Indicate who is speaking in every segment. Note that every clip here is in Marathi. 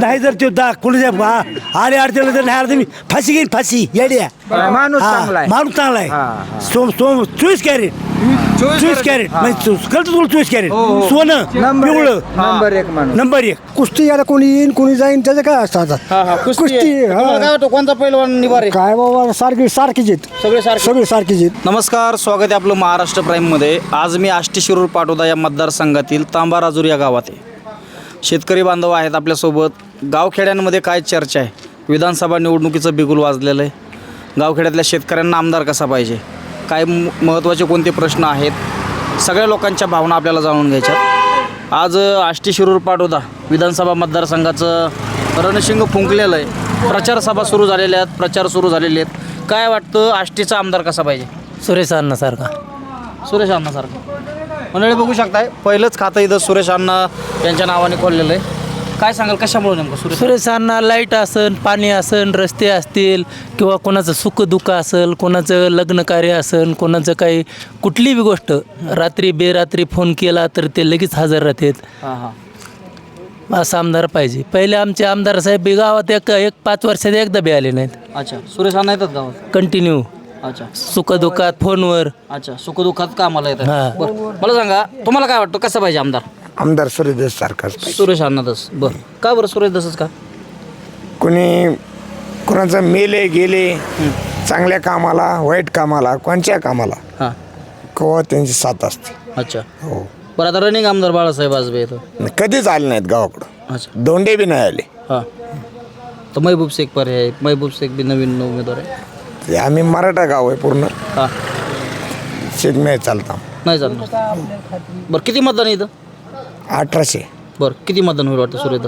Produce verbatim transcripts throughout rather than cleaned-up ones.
Speaker 1: नाही जर तो दा कुणाच्या आले अडचण जर नाही आलं तर मी फाशी घेईन फाशी येड्या
Speaker 2: माणूस
Speaker 1: हा,
Speaker 2: चांगला आहे.
Speaker 1: माणूस चांगला
Speaker 2: हा,
Speaker 1: आहे सोम सोम चोवीस कॅरेट चोवीस कॅरेट म्हणजे कळतं तुला चोवीस कॅरेट सोनं
Speaker 2: नंबर
Speaker 1: पिवळं
Speaker 2: एक- नंबर एक माणूस.
Speaker 1: नंबर एक
Speaker 3: कुस्ती याला कोणी येईन कोणी जाईन त्याचं काय असतं आता
Speaker 4: हा हा कुस्ती
Speaker 3: कुस्ती,
Speaker 4: आहे.
Speaker 3: हा.
Speaker 4: तुम्हाला काय वाटतं कोणता पैलवान निभार आहे
Speaker 3: काय बाबा सारखी सारखीच आहेत
Speaker 4: सगळे सारखे
Speaker 3: सगळी सारखीच आहेत
Speaker 4: नमस्कार स्वागत आहे आपलं महाराष्ट्र प्राईममध्ये. आज मी आष्टी शिरूर पाटोदा या मतदारसंघातील तांबा राजूर या गावात आहे. शेतकरी बांधव आहेत आपल्यासोबत. गावखेड्यांमध्ये काय चर्चा आहे? विधानसभा निवडणुकीचं बिगुल वाजलेलं आहे. गावखेड्यातल्या शेतकऱ्यांना आमदार कसा पाहिजे, काय म महत्त्वाचे कोणते प्रश्न आहेत, सगळ्या लोकांच्या भावना आपल्याला जाणून घ्यायच्यात. आज आष्टी शिरूर पाटोदा विधानसभा मतदारसंघाचं रणशिंग फुंकलेलं आहे. प्रचार सभा सुरू झालेल्या आहेत, प्रचार सुरू झालेले आहेत. काय वाटतं आष्टीचा आमदार कसा पाहिजे?
Speaker 5: सुरेश अण्णासारखा.
Speaker 4: सुरेश अण्णासारखं मंडळी बघू शकताय. पहिलंच खातं इथं सुरेश अण्णा यांच्या नावाने खोललेलं आहे. काय सांगाल कशामुळे नेमकं सुरेश
Speaker 5: सुरेश अण्णा लाईट असन, पाणी असन, रस्ते असतील किंवा कोणाचं सुखदुःख असेल, कोणाचं लग्न कार्य असेल, कोणाचं काही कुठलीही गोष्ट रात्री बेरात्री फोन केला तर ते लगेच हजर राहतात.
Speaker 4: हां हां
Speaker 5: असा आमदार पाहिजे. पहिले आमचे आमदार साहेब बी गावात एक एक पाच वर्षात एकदा बी आले नाहीत.
Speaker 4: अच्छा सुरेश अण्णा येतात गावात.
Speaker 5: कंटिन्यू
Speaker 4: अच्छा
Speaker 5: सुखदुःखात फोनवर.
Speaker 4: अच्छा सुखदुःखात कामाला येतात.
Speaker 5: हां.
Speaker 4: बरं मला सांगा तुम्हाला काय वाटतं कसं पाहिजे आमदार?
Speaker 2: आमदार सूर्यदेश सारखाच
Speaker 4: सुरेश अण्णा दस. बरं का बरं सुरेश दसच का?
Speaker 2: कोणी कोणाचं मेले गेले चांगल्या कामाला वाईट कामाला कोणत्या कामाला
Speaker 4: हां
Speaker 2: केव्हा त्यांची साथ असते.
Speaker 4: अच्छा
Speaker 2: हो
Speaker 4: बरं आता रनिंग आमदार बाळासाहेब आजबे येतं.
Speaker 2: कधीच आले नाहीत गावाकडं.
Speaker 4: अच्छा
Speaker 2: दोंडे बी नाही आले.
Speaker 4: हां तर महबूब शेख पर्याय आहे. महबूब शेख बी नवीन उमेदवार आहे.
Speaker 2: ते आम्ही मराठा गाव आहे पूर्ण
Speaker 4: हां
Speaker 2: शेतमे चालता.
Speaker 4: नाही चालणार. बरं किती मतदान आहे इथं?
Speaker 2: अठराशे
Speaker 4: बरं किती मतदान होईल वाटतं सुरेश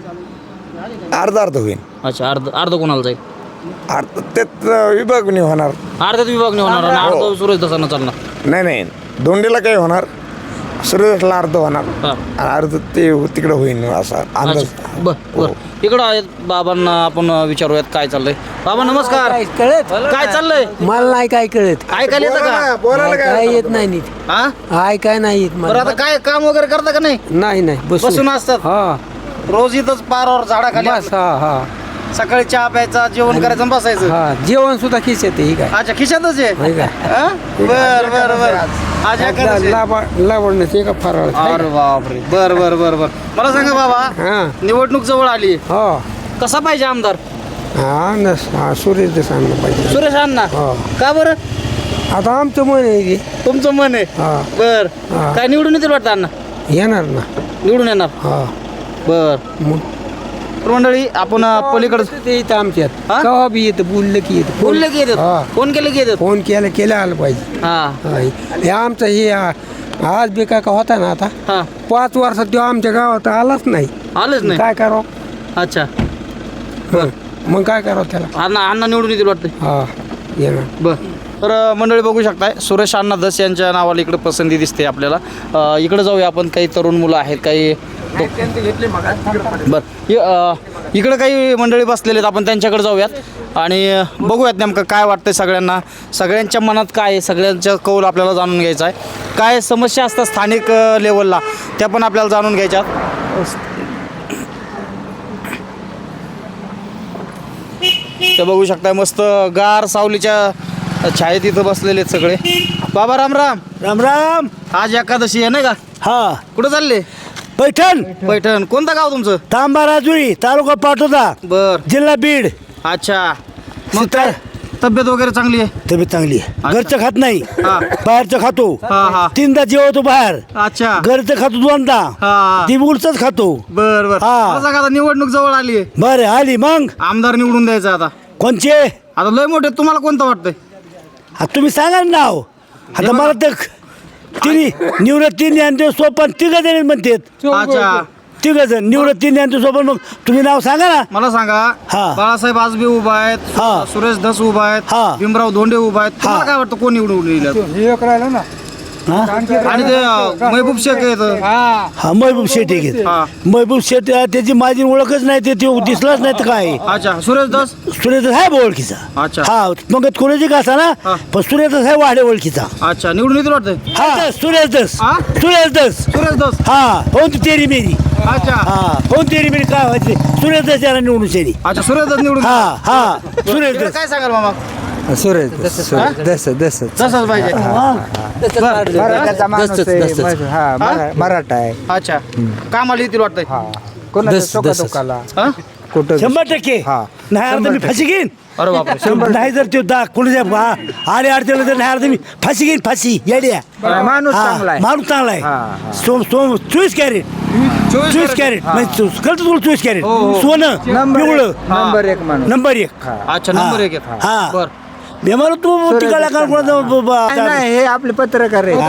Speaker 4: दसांना?
Speaker 2: अर्धा अर्ध होईल.
Speaker 4: अच्छा अर्ध अर्ध कोणाला जाईल?
Speaker 2: अर्ध त्यात विभाग नाही होणार.
Speaker 4: अर्ध्यात विभागणी होणार आणि अर्ध सुरेश दसांना चालणार.
Speaker 2: नाही नाही दोंडेला काही होणार सूर्यदेशला अर्ध होणार
Speaker 4: हां
Speaker 2: आणि अर्ध ते तिकडं होईल असा अंदाज.
Speaker 4: अच्छा बर बर इकडं आहेत बाबांना आपण विचारूयात काय चाललंय. बाबा नमस्कार.
Speaker 5: कळत
Speaker 4: काय चाललंय?
Speaker 5: मला नाही काय कळत.
Speaker 4: काय काय येतं का?
Speaker 5: काय येत नाही नीट.
Speaker 4: हा
Speaker 5: काय काय नाही येत
Speaker 4: बरं
Speaker 5: मला.
Speaker 4: आता काय काम वगैरे करता का नाही?
Speaker 5: नाही नाही
Speaker 4: बसून असतात
Speaker 5: हा
Speaker 4: रोज इथंच पारावर झाडाखाली
Speaker 5: बस हा हा
Speaker 4: सकाळी चहा प्यायचा जेवण करायचं आणि बसायचं.
Speaker 5: हा जेवण सुद्धा खिस येते ही काय
Speaker 4: अच्छा खिशातच आहे.
Speaker 5: होय का?
Speaker 4: हा? बर बर बर आज एकादशी आहे.
Speaker 5: लावडण्याचे का फराळ
Speaker 4: अरे बापरे बर बर बर बर मला सांगा बाबा
Speaker 5: हा
Speaker 4: निवडणूक जवळ आली
Speaker 5: हो
Speaker 4: कसा पाहिजे आमदार?
Speaker 5: हा न हा सूर्य देसांना पाहिजे.
Speaker 4: सुरेश अण्णा
Speaker 5: हो.
Speaker 4: का बरं?
Speaker 5: आता आमचं मन आहे की
Speaker 4: तुमचं मन आहे.
Speaker 5: हा
Speaker 4: बर
Speaker 5: हा.
Speaker 4: काय निवडून येतील वाटतं अण्णा?
Speaker 5: येणार ना
Speaker 4: निवडून येणार.
Speaker 5: हा
Speaker 4: बर
Speaker 5: मग
Speaker 4: तर मंडळी आपण पलीकडे
Speaker 5: ते इथं आमच्यात
Speaker 4: हा?
Speaker 5: कवा बी येतं बोललं की येतं
Speaker 4: बोलले की येतात
Speaker 5: हा.
Speaker 4: फोन केले की येतात.
Speaker 5: फोन केलं केलं आलं पाहिजे.
Speaker 4: हा
Speaker 5: हा हे आमचं हे आ- आज बी काय का होता ना आता
Speaker 4: हा
Speaker 5: पाच वर्षात तो आमच्या गावात आलाच नाही.
Speaker 4: आलंच नाही.
Speaker 5: काय करावं
Speaker 4: अच्छा
Speaker 5: हं. मग काय करावं त्याला.
Speaker 4: अण्णा अण्णा निवडून येतील वाटतं.
Speaker 5: हा येणार.
Speaker 4: बर तर अ, मंडळी बघू शकताय सुरेश अण्णा दस यांच्या नावाला इकडे पसंती दिसते आपल्याला. अ, इकडे जाऊया आपण. काही तरुण मुलं आहेत काही बर इ- अ, इकडे काही मंडळी बसलेले आहेत आपण त्यांच्याकडे जाऊयात आणि अ, बघूयात नेमकं काय वाटतंय सगळ्यांना. सगळ्यांच्या मनात काय आहे सगळ्यांच्या कौल आपल्याला जाणून घ्यायचा आहे. काय समस्या असतात स्थानिक अ, लेवलला त्या पण आपल्याला जाणून घ्यायच्या. ते बघू शकताय मस्त गार सावलीच्या छायेत इथं बसलेले आहेत सगळे. बाबा राम राम.
Speaker 1: राम राम.
Speaker 4: आज एकादशी आहे नाही का?
Speaker 1: हा
Speaker 4: कुठं चालले?
Speaker 1: पैठण
Speaker 4: पैठण. कोणतं गाव तुमचं?
Speaker 1: तांबा राजुरी तालुका पाटोदा
Speaker 4: बर
Speaker 1: जिल्हा बीड.
Speaker 4: अच्छा मग काय तब्येत वगैरे चांगली आहे?
Speaker 1: तब्येत चांगली आहे. घरचं खात नाही
Speaker 4: हा.
Speaker 1: बाहेरचं खातो.
Speaker 4: हा हा
Speaker 1: तीनदा जेवतो बाहेर.
Speaker 4: अच्छा
Speaker 1: घरचं खातो दोनदा.
Speaker 4: हा
Speaker 1: दिवसच खातो.
Speaker 4: बर बर
Speaker 1: हा.
Speaker 4: मला सांगा आता निवडणूक जवळ आली आहे.
Speaker 1: बरं आली मग
Speaker 4: आमदार निवडून द्यायचा आता.
Speaker 1: कोणचे
Speaker 4: आता लय मोठे तुम्हाला कोणतं वाटतंय?
Speaker 1: हा, तुम्ही सांगा ना नाव. आता मला तर तिन्ही निवृत्त तीन यांचे सोपन तिघ जण म्हणतात.
Speaker 4: अच्छा
Speaker 1: तिघ जण निवृत्त तीन यांचे सोपन. मग तुम्ही नाव सांगा ना.
Speaker 4: मला सांगा
Speaker 1: हा.
Speaker 4: बाळासाहेब आजबे उभा आहेत.
Speaker 1: हा.
Speaker 4: सुरेश धस उभा आहेत.
Speaker 1: हा.
Speaker 4: भीमराव धोंडे उभा आहेत. तुम्हाला
Speaker 1: हा.
Speaker 4: काय वाटतं कोण निवडून येईल?
Speaker 1: हा?
Speaker 4: आणि ते अ, महबूब शेख आहेत.
Speaker 1: हा महबूब शेठ आहे की.
Speaker 4: हा.
Speaker 1: महबूब शेठ आहे, त्याची माझी ओळखच नाही. ते ते दिसलाच नाही तर काय.
Speaker 4: अच्छा सुरेश धस.
Speaker 1: सुरेश आहे बा ओळखीचा.
Speaker 4: अच्छा.
Speaker 1: हा मग कोणाची का असा ना
Speaker 4: हा.
Speaker 1: पण सुरेश आहे वाढे ओळखीचा.
Speaker 4: अच्छा निवडून येतील वाटतंय.
Speaker 1: हा सुरेश दस
Speaker 4: हा?
Speaker 1: सुरेश दस
Speaker 4: सुरेश धस.
Speaker 1: हा हो ती तेरी मेरी.
Speaker 4: अच्छा
Speaker 1: हा कोणती बिन काय व्हायचे सुरेश दस याला निवडून शेनी
Speaker 4: अच्छा सुरेश निवडून
Speaker 1: हा हा सुरेश
Speaker 4: इकडे
Speaker 1: दस
Speaker 4: काय सांगाल मामा
Speaker 3: सुरेश दस दस
Speaker 4: तसंच पाहिजे
Speaker 3: मराठाचा माणूस आहे, मग- हा, मरा- मराठा आहे
Speaker 4: अच्छा कामाला येतील वाटतंय
Speaker 3: कोणाच्या सुखदुःखाला
Speaker 4: हा?
Speaker 3: कुठं
Speaker 1: शंभर टक्के
Speaker 4: हा.
Speaker 1: नाही अर्ध मी फाशी घेईन
Speaker 4: अरे बापरे
Speaker 1: नाही जर ते दा कोणाच्या बा- आले अडचण तर नाही अर्ध मी फाशी घेईन फाशी येड्या
Speaker 3: माणूस
Speaker 1: हा,
Speaker 3: चांगला आहे.
Speaker 1: माणूस चांगला आहे सोम सोम चोवीस कॅरेट चोवीस कॅरेट म्हणजे कळतं तुला चोवीस कॅरेट सोनं पिवळं
Speaker 3: नंबर एक माणूस
Speaker 1: नंबर एक
Speaker 4: अच्छा नंबर एक आहे.
Speaker 1: हा
Speaker 4: बर
Speaker 1: मी म्हणलं तू तिकडला का
Speaker 3: नाही, नाही हे आपले पत्रकार आहे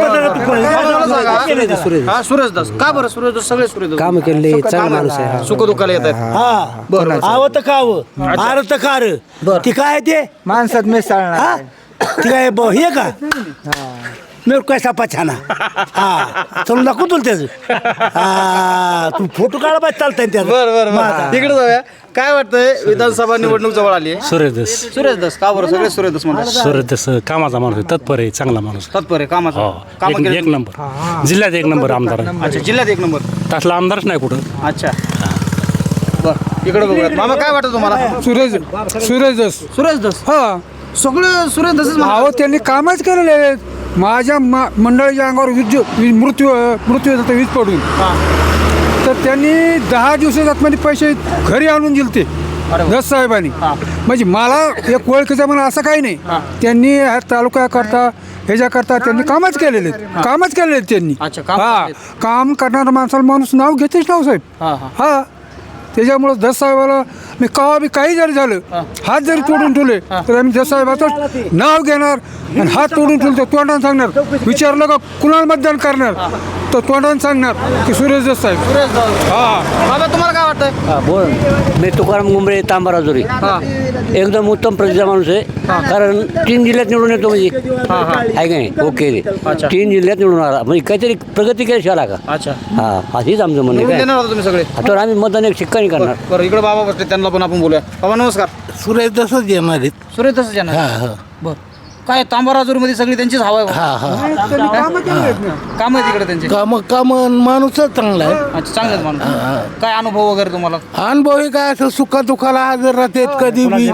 Speaker 4: हा सुरेश दास का बरं सुरेश दास सगळे सुरेश दास
Speaker 3: काम केले चांगला माणूस आहे
Speaker 4: सुख दुःखाला येत आहेत
Speaker 1: हा
Speaker 4: बरं
Speaker 1: आव तर काव आर तर कार ती काय ते
Speaker 3: माणसात मिसळणार
Speaker 1: हा ती काय ब- हे का मेरे को कैसा पछाना हा चल नको तुला त्याचं हा तू फोटो काढा पाहिजे चालतंय त्याचं
Speaker 4: बर बर
Speaker 1: मग आता.
Speaker 4: बर तिकडे जाऊया काय वाटतंय विधानसभा निवडणूक जवळ आली आहे
Speaker 6: सुरेश दस
Speaker 4: सुरेश दास का बरं सगळे सुरेश दास म्हणतात
Speaker 6: सुरेश दस कामाचा माणूस आहे, तत्पर आहे, चांगला माणूस आहे.
Speaker 4: तत्पर आहे कामाचं
Speaker 6: हो
Speaker 4: काम
Speaker 6: एक एक नंबर जिल्ह्यात एक नंबर आमदार आहे.
Speaker 4: अच्छा जिल्ह्यात एक नंबर
Speaker 6: तसला आमदारच नाही कुठं.
Speaker 4: अच्छा बर इकडे बघूयात मामा काय वाटतं तुम्हाला
Speaker 7: सुरेश सुरेश दस
Speaker 4: सुरेश दास
Speaker 7: हा
Speaker 4: सगळं सुरेश दासच
Speaker 7: अहो त्यांनी कामच केलेले आहेत माझ्या मा- मंडळीच्या अंगावर वीज वीज मृत्यू मृत्यू जातो वीज पडून तर त्यांनी दहा दिवसात आतमध्ये पैसे घरी आणून दिले ते दस साहेबांनी म्हणजे मला एक ओळखीचा म्हणा असं काही नाही त्यांनी ह्या तालुक्याकरता ह्याच्याकरता त्यांनी कामच केलेले आहेत कामच केलेले आहेत त्यांनी
Speaker 4: अच्छा, काम
Speaker 7: हा
Speaker 4: केलेत.
Speaker 7: काम करणारा माणसाला माणूस नाव घेतेच नाव साहेब
Speaker 4: हा हा
Speaker 7: हा त्याच्यामुळं दस साहेबाला मी कवा बी काही जरी झालं हात जरी तोडून ठेवले तर आम्ही दस साहेबाचं नाव घेणार आणि हात तोडून ठेवले तर तोंडाने सांगणार विचारलं का कुणाला मतदान करणार तर तोंडाने सांगणार की सुरेश दस साहेब
Speaker 4: सुरेश दास
Speaker 7: हा
Speaker 4: बाबा तुम्हाला काय वाटतंय
Speaker 8: हा बोल मी तुकाराम गुंबळे तांबाराजुरी
Speaker 4: हा
Speaker 8: एकदम उत्तम प्रतीचा माणूस आहे कारण तीन जिल्ह्यात निवडून येतो म्हणजे आहे का नाही ओके
Speaker 4: अच्छा.
Speaker 8: तीन जिल्ह्यात निवडून आला म्हणजे काहीतरी प्रगती केली आला का
Speaker 4: अच्छा
Speaker 8: हा अशीच आमचं म्हणणं
Speaker 4: निवडून
Speaker 8: आहे काय
Speaker 4: देणार होता तुम्ही सगळे
Speaker 8: आता आम्ही मतदान एक शिक्का नाही करणार
Speaker 4: बरं इकडे बाबा बसले त्यांना पण आपण बोलूया बाबा नमस्कार
Speaker 1: सुरेश दसच येणार आहेत
Speaker 4: सुरेश दास येणार बर काय तांबाराजूर मध्ये सगळी त्यांचीच हवा आहे काम आहे तिकडे त्यांचे
Speaker 1: काम काम माणूसच चांगला आहे
Speaker 4: अच्छा चांगले आहेत माणूस काय अनुभव वगैरे तुम्हाला
Speaker 1: अनुभव हे काय असं सुखा दुखाला हजर राहतात कधी बी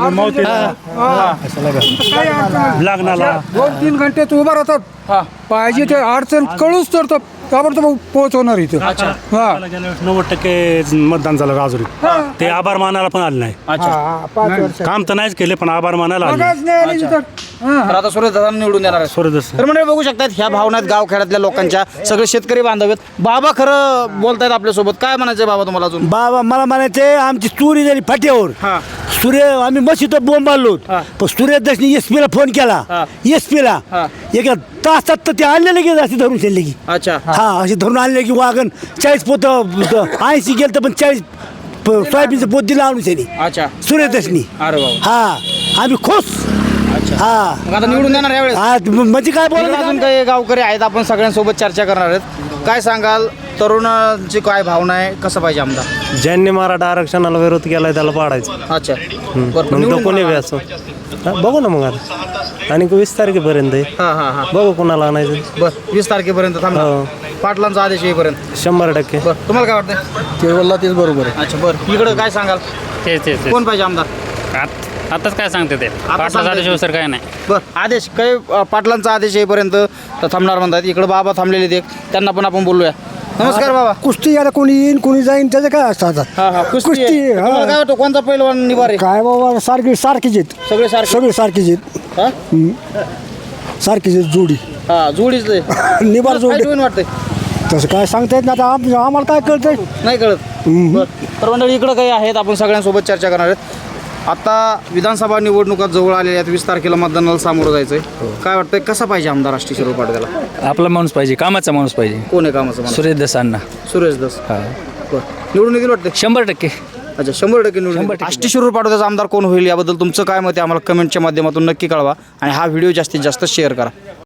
Speaker 6: लग्नाला
Speaker 7: दोन तीन घंटे तू उभा राहतात
Speaker 4: हा
Speaker 7: पाहिजे ते अडचण कळूच तर ताबडतोब पोहोचवणार इथं हा
Speaker 6: नव्वद टक्के मतदान झालं राजुरी ते आभार मानायला पण आले नाही.
Speaker 4: अच्छा
Speaker 3: पाच वर्ष
Speaker 6: काम तर नाहीच केले पण आभार मानायला आले.
Speaker 7: मागास नाही आली तिथं. हा.
Speaker 4: तर आता सुरेश दादा निवडून देणार आहे
Speaker 6: सुरेश दस
Speaker 4: तर म्हणजे बघू शकतात ह्या भावनात गावखेड्यातल्या लोकांच्या सगळे शेतकरी बांधव आहेत बाबा खरं बोलतायत आपल्यासोबत काय म्हणायचंय बाबा तुम्हाला अजून
Speaker 1: बाबा मला म्हणायचे आमची चोरी झाली फाट्यावर
Speaker 4: हा
Speaker 1: सूर्य आम्ही मशीद बोंब मारलो
Speaker 4: हा.
Speaker 1: पण सूर्यदर्शनी एस पीला फोन केला
Speaker 4: हा.
Speaker 1: एस पीला
Speaker 4: हा.
Speaker 1: एका तासात तर ते आणलेले की अशी धरून शेरले की
Speaker 4: अच्छा
Speaker 1: हा अशी धरून आणले की वागण चाळीस पोत ऐंशी गेलं तर पण चाळीस प- सोयाबीनचं पोत दिलं आणून शेनी
Speaker 4: अच्छा
Speaker 1: सूर्यदर्शनी
Speaker 4: अरे बाबा
Speaker 1: हा आम्ही खुश हा
Speaker 4: मग आता निवडून देणार यावेळेस
Speaker 1: हा, म्हणजे काय
Speaker 4: इकडे
Speaker 1: बोला
Speaker 4: अजून काही गावकरी आहेत आपण सगळ्यांसोबत चर्चा करणार आहेत काय सांगाल तरुणांची काय भावना आहे कसं पाहिजे आमदार
Speaker 9: ज्यांनी मराठा आरक्षणाला विरोध केलाय त्याला पाडायचं
Speaker 4: अच्छा बरं,
Speaker 9: मग तो
Speaker 4: निवडून
Speaker 9: कोणी बी
Speaker 4: देणार.
Speaker 9: असो हा, बघू ना मग आता आणि वीस तारखेपर्यंत आहे
Speaker 4: हा हा हा
Speaker 9: बघू कोणाला आणायचं
Speaker 4: बरं वीस तारखेपर्यंत थांबणार
Speaker 9: हो.
Speaker 4: पाटलांचा आदेश येईपर्यंत
Speaker 9: शंभर टक्के
Speaker 4: बरं तुम्हाला काय वाटतं
Speaker 3: केवळला तेच बरोबर आहे
Speaker 4: अच्छा बरं इकडं काय सांगाल
Speaker 10: तेच तेच
Speaker 4: कोण पाहिजे आमदार
Speaker 10: आत- आताच काय सांगते ते पाटला
Speaker 4: सांगता
Speaker 10: झाल्याशिवाय
Speaker 4: येत
Speaker 10: सर काय नाही
Speaker 4: बरं आदेश काही अ, पाटलांचा आदेश येईपर्यंत तर थांबणार म्हणतात इकडं बाबा थांबलेले ते त्यांना पण आपण बोलूया नमस्कार बाबा
Speaker 3: कुस्ती याला कोणी येईन कोणी जाईन त्याचं काय असतं आता
Speaker 4: हा हा कुस्ती
Speaker 3: कुस्ती,
Speaker 4: आहे.
Speaker 3: हा.
Speaker 4: तुम्हाला काय वाटतं कोणता पैलवान निभार आहे
Speaker 3: काय बाबा सारखी सारखीच आहेत
Speaker 4: सगळे सारखे
Speaker 3: सगळी सारखीच आहेत
Speaker 4: हा
Speaker 3: सारखीच आहेत जोडी
Speaker 4: हा जोडीच आहे.
Speaker 3: निबार
Speaker 4: तुला
Speaker 3: जोडी
Speaker 4: fight होईन वाटतंय
Speaker 3: तसं काय सांगता येत ना आता आम- आम्हाला काय कळतंय
Speaker 4: नाही कळत बरं. तर मंडळी इकडं काही आहेत आपण सगळ्यांसोबत चर्चा करणार आहेत आता विधानसभा निवडणुका जवळ आलेल्या आहेत वीस तारखेला मतदानाला सामोरं जायचंय काय वाटतंय कसा पाहिजे आमदार राष्ट्रीय शिरोळ पाटील
Speaker 5: आपला माणूस पाहिजे कामाचा माणूस पाहिजे
Speaker 4: कोण आहे कामाचं माणूस?
Speaker 5: सुरेश दसांना
Speaker 4: सुरेश दस बरं निवडून येतील वाटतं
Speaker 5: शंभर टक्के
Speaker 4: अच्छा शंभर टक्के निवडून आष्टी शिरूर पाठवण्याचा आमदार कोण होईल याबद्दल तुमचं काय मत आहे आम्हाला कमेंटच्या माध्यमातून नक्की कळवा आणि हा व्हिडिओ जास्तीत जास्त शेअर करा